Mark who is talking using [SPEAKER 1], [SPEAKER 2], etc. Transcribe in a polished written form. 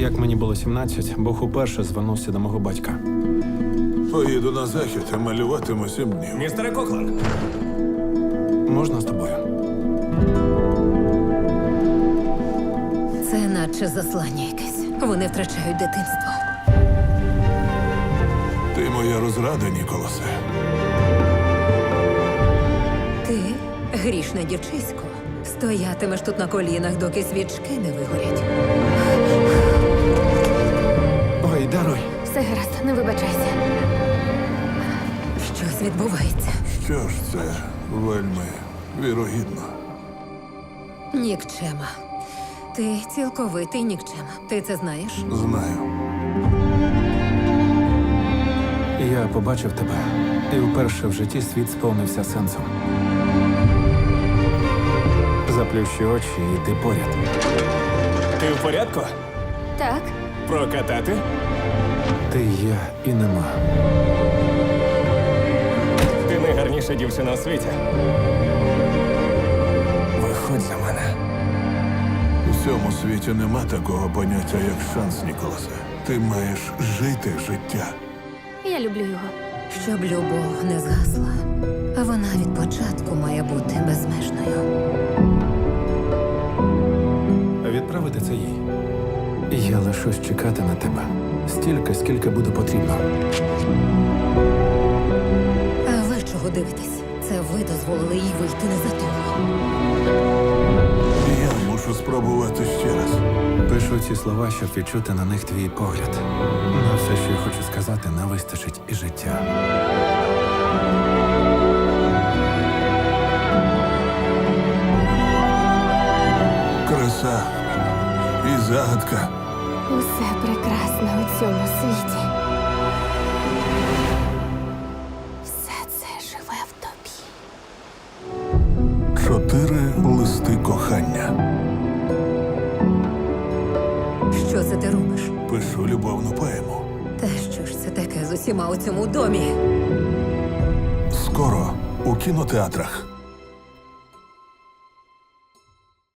[SPEAKER 1] Як мені було 17, Бог уперше звернувся до мого батька.
[SPEAKER 2] Поїду на захід і малюватиму 7 днів.
[SPEAKER 3] Містере Коклан,
[SPEAKER 1] Можна з тобою?
[SPEAKER 4] Це наче заслання якесь. Вони втрачають дитинство.
[SPEAKER 2] Ти моя розрада, Ніколасе.
[SPEAKER 4] Ти, грішне дівчисько, стоятимеш тут на колінах, доки свічки не вигорять.
[SPEAKER 1] Ой, даруй.
[SPEAKER 5] Все гаразд, не вибачайся.
[SPEAKER 4] Щось відбувається.
[SPEAKER 2] Що ж це вельми вірогідно.
[SPEAKER 4] Нікчема. Ти цілковитий нікчема. Ти це знаєш?
[SPEAKER 2] Знаю.
[SPEAKER 1] Я побачив тебе, і вперше в житті світ сповнився сенсом. Заплющи очі і йди поряд.
[SPEAKER 3] ти в порядку?
[SPEAKER 5] Так,
[SPEAKER 3] Прокатати?
[SPEAKER 1] Ти є і нема.
[SPEAKER 3] Ти найгарніша дівчина у світі. Виходь за мене.
[SPEAKER 2] У цьому світі нема такого поняття, як шанс, Ніколасе. Ти маєш жити життя.
[SPEAKER 5] я люблю його.
[SPEAKER 4] Щоб любов не згасла, а вона від початку має бути безмежною.
[SPEAKER 1] Відправити це їй. Я лишусь чекати на тебе. Стільки, скільки буде потрібно.
[SPEAKER 4] А ви чого дивитесь? Це ви дозволили їй вийти не за того.
[SPEAKER 2] Я мушу спробувати ще раз.
[SPEAKER 1] Пишу ці слова, щоб відчути на них твій погляд. На все, що я хочу сказати, не вистачить і життя.
[SPEAKER 2] Краса і загадка.
[SPEAKER 5] Усе прекрасне у цьому світі. Все це живе в тобі.
[SPEAKER 2] 4 листи кохання.
[SPEAKER 4] Що це ти робиш?
[SPEAKER 2] Пишу любовну поему.
[SPEAKER 4] Та що ж це таке з усіма у цьому домі?
[SPEAKER 2] Скоро у кінотеатрах.